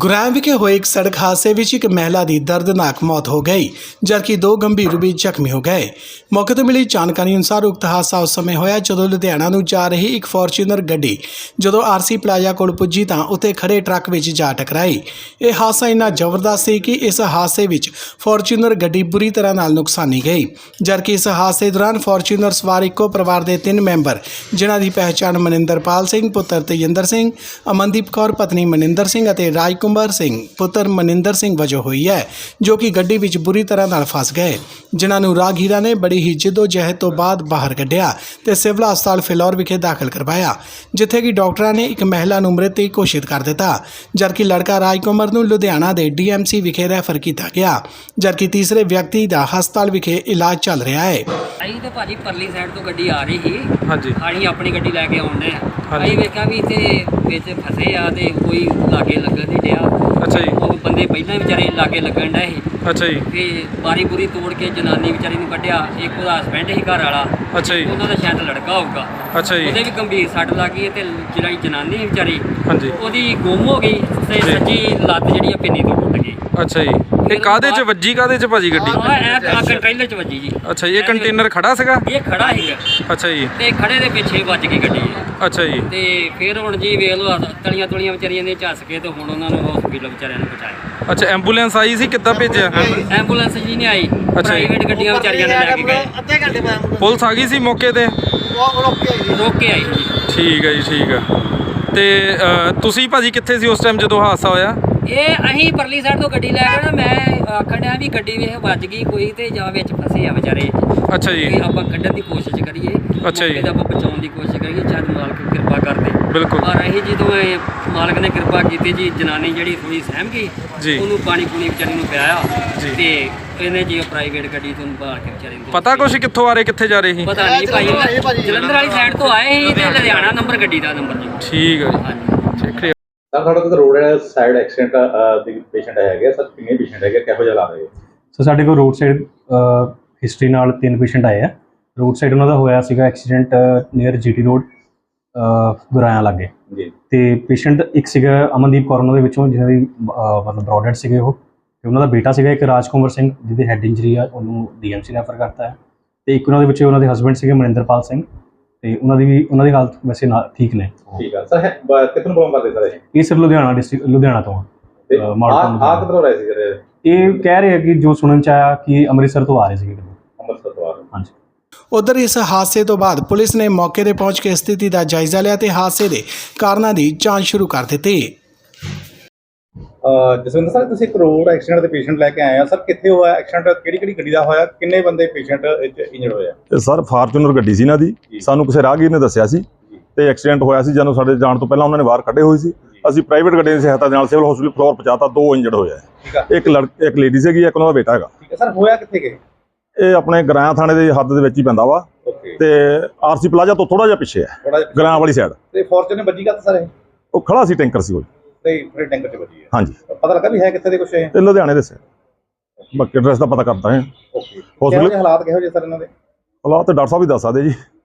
ਗੁਰਾਇਆ ਵਿਖੇ ਹੋਏ ਇੱਕ ਸੜਕ ਹਾਦਸੇ ਵਿੱਚ ਇੱਕ ਮਹਿਲਾ ਦੀ ਦਰਦਨਾਕ ਮੌਤ ਹੋ ਗਈ ਜਦਕਿ ਦੋ ਗੰਭੀਰ ਰੂਪ ਵਿੱਚ ਜ਼ਖਮੀ ਹੋ ਗਏ। ਮੌਕੇ ਤੋਂ ਮਿਲੀ ਜਾਣਕਾਰੀ ਅਨੁਸਾਰ ਉਕਤ ਹਾਦਸਾ ਉਸ ਸਮੇਂ ਹੋਇਆ ਜਦੋਂ ਲੁਧਿਆਣਾ ਨੂੰ ਜਾ ਰਹੀ ਇੱਕ ਫੋਰਚੂਨਰ ਗੱਡੀ ਜਦੋਂ ਆਰਸੀ ਪਲਾਜ਼ਾ ਕੋਲ ਪੁੱਜੀ ਤਾਂ ਉੱਥੇ ਖੜੇ ਟਰੱਕ ਵਿੱਚ ਜਾ ਟਕਰਾਈ। ਇਹ ਹਾਦਸਾ ਇੰਨਾ ਜ਼ਬਰਦਸਤ ਸੀ ਕਿ ਇਸ ਹਾਦਸੇ ਵਿੱਚ ਫੋਰਚੂਨਰ ਗੱਡੀ ਬੁਰੀ ਤਰ੍ਹਾਂ ਨਾਲ ਨੁਕਸਾਨੀ ਗਈ ਜਦਕਿ ਇਸ ਹਾਦਸੇ ਦੌਰਾਨ ਫੋਰਚੂਨਰ ਸਵਾਰ ਇੱਕੋ ਪਰਿਵਾਰ ਦੇ 3 ਮੈਂਬਰ ਜਿਨ੍ਹਾਂ ਦੀ ਪਹਿਚਾਣ ਮਨਿੰਦਰਪਾਲ ਸਿੰਘ ਪੁੱਤਰ ਤੇਜਿੰਦਰ ਸਿੰਘ, ਅਮਨਦੀਪ ਕੌਰ ਪਤਨੀ ਮਨਿੰਦਰ ਸਿੰਘ ਅਤੇ ਰਾਜਕੁਮਾਰ ਸਿੰਘ ਪੁੱਤਰ ਮਨਿੰਦਰ ਸਿੰਘ ਵਜੋਂ ਹੋਈ ਹੈ ਜੋ ਕਿ ਗੱਡੀ ਵਿੱਚ ਬੁਰੀ ਤਰ੍ਹਾਂ ਨਾਲ ਫਸ ਗਏ, ਜਿਨ੍ਹਾਂ ਨੂੰ ਰਾਹਗੀਰਾਂ ਨੇ ਬੜੀ ਹੀ ਜਿੱਦੋ-ਜਹਿਦ ਤੋਂ ਬਾਅਦ ਬਾਹਰ ਕੱਢਿਆ ਤੇ ਸਿਵਲ ਹਸਪਤਾਲ ਫਿਲੌਰ ਵਿਖੇ ਦਾਖਲ ਕਰਵਾਇਆ ਜਿੱਥੇ ਕਿ ਡਾਕਟਰਾਂ ਨੇ ਇੱਕ ਮਹਿਲਾ ਨੂੰ ਮ੍ਰਿਤ ਘੋਸ਼ਿਤ ਕਰ ਦਿੱਤਾ ਜਦਕਿ ਲੜਕਾ ਰਾਜਕੁਮਾਰ ਨੂੰ ਲੁਧਿਆਣਾ ਦੇ ਡੀਐਮਸੀ ਵਿਖੇ ਰੈਫਰ ਕੀਤਾ ਗਿਆ ਜਦਕਿ ਤੀਸਰੇ ਵਿਅਕਤੀ ਦਾ ਹਸਪਤਾਲ ਵਿਖੇ ਇਲਾਜ ਚੱਲ ਰਿਹਾ ਹੈ। ਅਸੀਂ ਤੇ ਭਾਜੀ ਪਰਲੀ ਸਾਈਡ ਤੋਂ ਗੱਡੀ ਆ ਰਹੀ ਸੀ। ਹਾਂਜੀ, ਅਸੀਂ ਆਪਣੀ ਗੱਡੀ ਲੈ ਕੇ ਆਉਂਦੇ ਆ। ਹਾਂਜੀ। ਅਸੀਂ ਵੇਖਿਆ ਵੀ ਇੱਥੇ ਵਿੱਚ ਫਸੇ ਆ ਤੇ ਕੋਈ ਲਾਗੇ ਲੱਗਣ ਨਹੀਂ ਡਿਆ। ਅੱਛਾ ਜੀ, ਉਹ ਬੰਦੇ ਪਹਿਲਾਂ ਵਿਚਾਰੇ ਲਾਗੇ ਲੱਗਣ ਡਏ ਸੀ ਅੱਛਾ ਜੀ, ਤੇ ਬਾਰੀ ਬੁਰੀ ਤੋੜ ਕੇ ਜਨਾਨੀ ਵਿਚਾਰੀ ਨੂੰ ਕੱਢਿਆ। ਇੱਕ ਉਹਦਾ ਹਸਬੈਂਡ ਸੀ ਘਰ ਵਾਲਾ, ਅੱਛਾ ਜੀ, ਉਹਨਾਂ ਦਾ ਸ਼ਾਇਦ ਲੜਕਾ ਹੋਊਗਾ। ਅੱਛਾ ਜੀ, ਉਹਦੇ ਵੀ ਗੰਭੀਰ ਸੱਟ ਲੱਗ ਗਈ ਤੇ ਜਿਹੜੀ ਜਨਾਨੀ ਸੀ ਵਿਚਾਰੀ ਹਾਂਜੀ, ਉਹਦੀ ਗੁੰਮ ਹੋ ਗਈ ਤੇ ਜੀ। ਸੱਜੀ ਲੱਤ ਜਿਹੜੀ ਆ ਪਿੰਨੀ ਤੋਂ ਟੁੱਟ ਗਈ। ਅੱਛਾ ਜੀ। ਇਹ ਕਾਹਦੇ 'ਚ ਵੱਜੀ, ਕਾਹਦੇ 'ਚ ਭਾਜੀ ਗੱਡੀ? ਆ ਕੰਟੇਨਰ 'ਚ ਵੱਜੀ ਜੀ। ਅੱਛਾ ਜੀ, ਇਹ ਕੰਟੇਨਰ ਖੜਾ ਸੀਗਾ? ਇਹ ਖੜਾ ਸੀਗਾ ਅੱਛਾ ਜੀ, ਤੇ ਖੜੇ ਦੇ ਪਿੱਛੇ ਵੱਜ ਗਈ ਗੱਡੀ। ਅੱਛਾ ਜੀ, ਤੇ ਫਿਰ ਹੁਣ ਜੀ ਵੇਖ ਲਓ ਤਲੀਆਂ ਤੁਲੀਆਂ ਵਿਚਾਰੀਆਂ ਨੇ ਝੱਸ ਕੇ ਤੇ ਹੁਣ ਉਹਨਾਂ ਨੂੰ ਹਸਪੀਟਲ ਵਿਚਾਰਿਆਂ ਨੂੰ ਪਹੁੰਚਾਇਆ। ਅੱਛਾ, ਐਂਬੂਲੈਂਸ ਆਈ ਸੀ, ਕਿੱਦਾਂ ਭੇਜਿਆ? ਐਂਬੂਲੈਂਸ ਜੀ ਨਹੀਂ ਆਈ, ਅੱਛਾ ਜੀ। ਪ੍ਰਾਈਵੇਟ ਗੱਡੀਆਂ ਵਿਚਾਰੀਆਂ ਨੇ ਲੈ ਕੇ ਗਏ। ਅੱਧੇ ਘੰਟੇ ਬਾਅਦ ਪੁਲਿਸ ਆ ਗਈ ਸੀ ਮੌਕੇ ਤੇ? ਰੋਕ ਕੇ ਆਈ ਜੀ। ਠੀਕ ਹੈ ਜੀ, ਠੀਕ ਆ। ਤੇ ਤੁਸੀਂ ਭਾਜੀ ਕਿੱਥੇ ਸੀ ਉਸ ਟਾਈਮ ਜਦੋਂ ਹਾਦਸਾ ਹੋਇਆ? ਇਹ ਅਸੀਂ ਪਰਲੀ ਸਾਈਡ ਤੋਂ ਗੱਡੀ ਲੈ ਕੇ ਨਾ ਮੈਂ ਆਖਣ ਡਿਆ ਵੀ ਗੱਡੀ ਵੇਖ ਵੱਜ ਗਈ ਕੋਈ ਤੇ ਜਾਂ ਵਿੱਚ ਫਸੇ ਆ ਵਿਚਾਰੇ। ਅੱਛਾ ਜੀ, ਤੇ ਆਪਾਂ ਕੱਢਣ ਦੀ ਕੋਸ਼ਿਸ਼ ਕਰੀਏ। ਅੱਛਾ ਜੀ। ਮੌਕੇ ਤੇ ਆਪਾਂ ਬਚਾਉਣ ਦੀ ਕੋਸ਼ਿਸ਼ ਕਰੀਏ, ਸ਼ਾਇਦ ਮਾਲਕ ਕਿਰਪਾ ਕਰਦੇ। ਬਿਲਕੁਲ। ਪਰ ਅਸੀਂ ਜਦੋਂ ਇਹ ਮਾਲਕ ਨੇ ਕਿਰਪਾ ਕੀਤੀ ਜੀ, ਜਨਾਨੀ ਜਿਹੜੀ ਥੋੜੀ ਸਹਿਮ ਗਈ, ਜੀ। ਉਹਨੂੰ ਪਾਣੀ ਪੂਣੀ ਵਿਚਾਰੀ ਨੂੰ ਪਿਆਇਆ ਜੀ। ਤੇ ਇਹਨੇ ਜੀ ਪ੍ਰਾਈਵੇਟ ਗੱਡੀ ਤੋਂ ਬਾਹਰ ਕੇ ਵਿਚਾਰੇ ਨੂੰ ਪਤਾ ਕੁਛ ਕਿੱਥੋਂ ਆ ਰਹੇ, ਕਿੱਥੇ ਜਾ ਰਹੇ ਸੀ? ਪਤਾ ਨਹੀਂ ਭਾਈ, ਜਲੰਧਰ ਵਾਲੀ ਸਾਈਡ ਤੋਂ ਆਏ ਸੀ ਤੇ ਲੁਧਿਆਣਾ ਨੰਬਰ ਗੱਡੀ ਦਾ ਨੰਬਰ ਜੀ। ਠੀਕ ਹੈ ਜੀ, ਹਾਂਜੀ। ਠੀਕ ਹੈ। ਸਰ ਸਾਡੇ ਕੋਲ ਰੋਡ ਸਾਈਡ ਐਕਸੀਡੈਂਟ ਦੇ ਪੇਸ਼ੈਂਟ ਹੈਗੇ ਸਰ, ਕਿੰਨੇ ਪੇਸ਼ੈਂਟ ਹੈਗੇ, ਕਿਹੋ ਜਿਹਾ ਲਾ ਰਹੇ? ਸੋ ਸਾਡੇ ਕੋਲ ਰੋਡ ਸਾਈਡ ਹਿਸਟਰੀ ਨਾਲ 3 ਪੇਸ਼ੈਂਟ ਆਏ ਆ। ਰੋਡ ਸਾਈਡ ਉਹਨਾਂ ਦਾ ਹੋਇਆ ਸੀਗਾ accident near GT road Guraya ਲਾਗੇ ਜੀ। ਤੇ ਪੇਸ਼ੈਂਟ ਇੱਕ ਸੀਗਾ ਅਮਨਦੀਪ ਕੌਰ ਉਹਨਾਂ ਦੇ ਵਿੱਚੋਂ ਜਿਹਨਾਂ ਦੀ ਮਤਲਬ ਬ੍ਰੌਡਡ ਸੀਗੇ ਉਹ, ਤੇ ਉਹਨਾਂ ਦਾ ਬੇਟਾ ਸੀਗਾ ਇੱਕ ਰਾਜਕੁਮਾਰ ਸਿੰਘ ਜਿਹਦੀ ਹੈਡ ਇੰਜਰੀ ਆ, ਉਹਨੂੰ ਡੀਐਮਸੀ ਰੈਫਰ ਕਰਤਾ ਹੈ। ਤੇ ਇੱਕ ਉਹਨਾਂ ਦੇ ਵਿੱਚ ਉਹਨਾਂ ਦੇ ਹਸਬੈਂਡ ਸੀਗੇ ਮਨਿੰਦਰਪਾਲ ਸਿੰਘ ਤੇ ਉਹਨਾਂ ਦੀ ਹਾਲਤ ਵੈਸੇ ਠੀਕ ਨੇ। ਠੀਕ ਆ ਸਰ, ਕਿੱਥੋਂ ਪ੍ਰੋਬਲਮ ਕਰਦੇ ਸਰ? ਇਹ ਸਰ ਲੁਧਿਆਣਾ ਡਿਸਟ੍ਰਿਕਟ ਲੁਧਿਆਣਾ ਤੋਂ ਆ ਕਿੱਧਰੋਂ ਰਹੇ ਸੀ ਸਰ? ਇਹ ਕਹਿ ਰਹੇ ਆ ਕਿ ਜੋ ਸੁਣਨ ਚ ਆਇਆ ਕਿ ਅੰਮ੍ਰਿਤਸਰ ਤੋਂ ਆ ਰਹੇ ਸੀਗੇ। ਅੰਮ੍ਰਿਤਸਰ ਤੋਂ ਆ ਰਹੇ? ਹਾਂਜੀ। ਉਧਰ ਇਸ ਹਾਦਸੇ ਤੋਂ ਬਾਅਦ ਪੁਲਿਸ ਨੇ ਮੌਕੇ ਤੇ ਪਹੁੰਚ ਕੇ ਸਥਿਤੀ ਦਾ ਜਾਇਜ਼ਾ ਲਿਆ ਤੇ ਹਾਦਸੇ ਦੇ ਕਾਰਨਾਂ ਦੀ ਜਾਂਚ ਸ਼ੁਰੂ ਕਰ ਦਿੱਤੀ। ਜਸਵਿੰਦਰ ਸਰ, ਤੁਸੀਂ ਇੱਕ ਰੋਡ ਐਕਸੀਡੈਂਟ ਦੇ ਪੇਸ਼ੈਂਟ ਲੈ ਕੇ ਆਏ ਆ ਸਰ, ਕਿੱਥੇ ਹੋਇਆ ਐਕਸੀਡੈਂਟ, ਕਿਹੜੀ ਗੱਡੀ ਦਾ ਹੋਇਆ, ਕਿੰਨੇ ਬੰਦੇ ਪੇਸ਼ੈਂਟ ਇੰਜਰਡ ਹੋਏ ਆ? ਇਹ ਸਰ ਫਾਰਚੂਨਰ ਗੱਡੀ ਸੀ ਇਹਨਾਂ ਦੀ, ਸਾਨੂੰ ਕਿਸੇ ਰਾਹਗੀਰ ਨੇ ਦੱਸਿਆ ਸੀ ਤੇ ਐਕਸੀਡੈਂਟ ਹੋਇਆ ਸੀ। ਜਦੋਂ ਸਾਡੇ ਜਾਣ ਤੋਂ ਪਹਿਲਾਂ ਉਹਨਾਂ ਨੇ ਬਾਹਰ ਕੱਢੇ ਹੋਏ ਸੀ, ਅਸੀਂ ਪ੍ਰਾਈਵੇਟ ਗੱਡੀ ਦੀ ਸਹਾਇਤਾ ਦੇ ਨਾਲ ਸਿਵਲ ਹਸਪੀਟਲ ਫਲੋਰ ਪਹੁੰਚਾਤਾ। 2 ਇੰਜਰਡ ਹੋਏ ਆ, ਇੱਕ ਲੇਡੀ ਸੀਗੀ, ਇੱਕ ਉਹਨਾਂ ਦਾ ਬੇਟਾ ਹੈਗਾ। ਠੀਕ ਹੈ ਸਰ, ਹੋਇਆ ਕਿੱਥੇ ਗਏ? ਇਹ ਆਪਣੇ ਗਰਾਇਆ ਥਾਣੇ ਦੇ ਹੱਦ ਦੇ ਵਿੱਚ ਹੀ ਪੈਂਦਾ ਵਾ ਤੇ ਆਰਸੀ ਪਲਾਜ਼ਾ ਤੋਂ ਥੋੜਾ ਜਿਹਾ ਪਿੱਛੇ ਹੈ, ਗਰਾਇਆ ਵਾਲੀ ਸਾਈਡ। ਤੇ ਫੋਰਚੂਨਰ ਵੱਜੀ ਕਾ ਸਰ? ਉਹ ਖੜਾ ਸੀ ਟੈਂਕਰ ਸੀ ਉਹ। ਤੇ ਫਿਰ ਟੈਂਕਰ 'ਚ ਵੱਜੀ ਹੈ? ਹਾਂਜੀ। ਪਤਾ ਲੱਗਾ ਵੀ ਹੈ ਕਿੱਥੇ ਦੇ ਕੁਛ? ਇਹ ਇਹ ਲੁਧਿਆਣੇ ਦੇ ਬਾਕੀ ਐਡਰੈਸ ਦਾ ਪਤਾ ਕਰਦਾ ਹੈ। ਓਕੇ। ਕਿਹੋ ਜਿਹੇ ਹਾਲਾਤ ਕਿਹੋ ਜਿਹੇ ਸਰ ਇਹਨਾਂ ਦੇ? ਹਾਲਾਤ ਤੇ ਡਾਕਟਰ ਸਾਹਿਬ ਵੀ ਦੱਸ ਸਕਦੇ ਜੀ।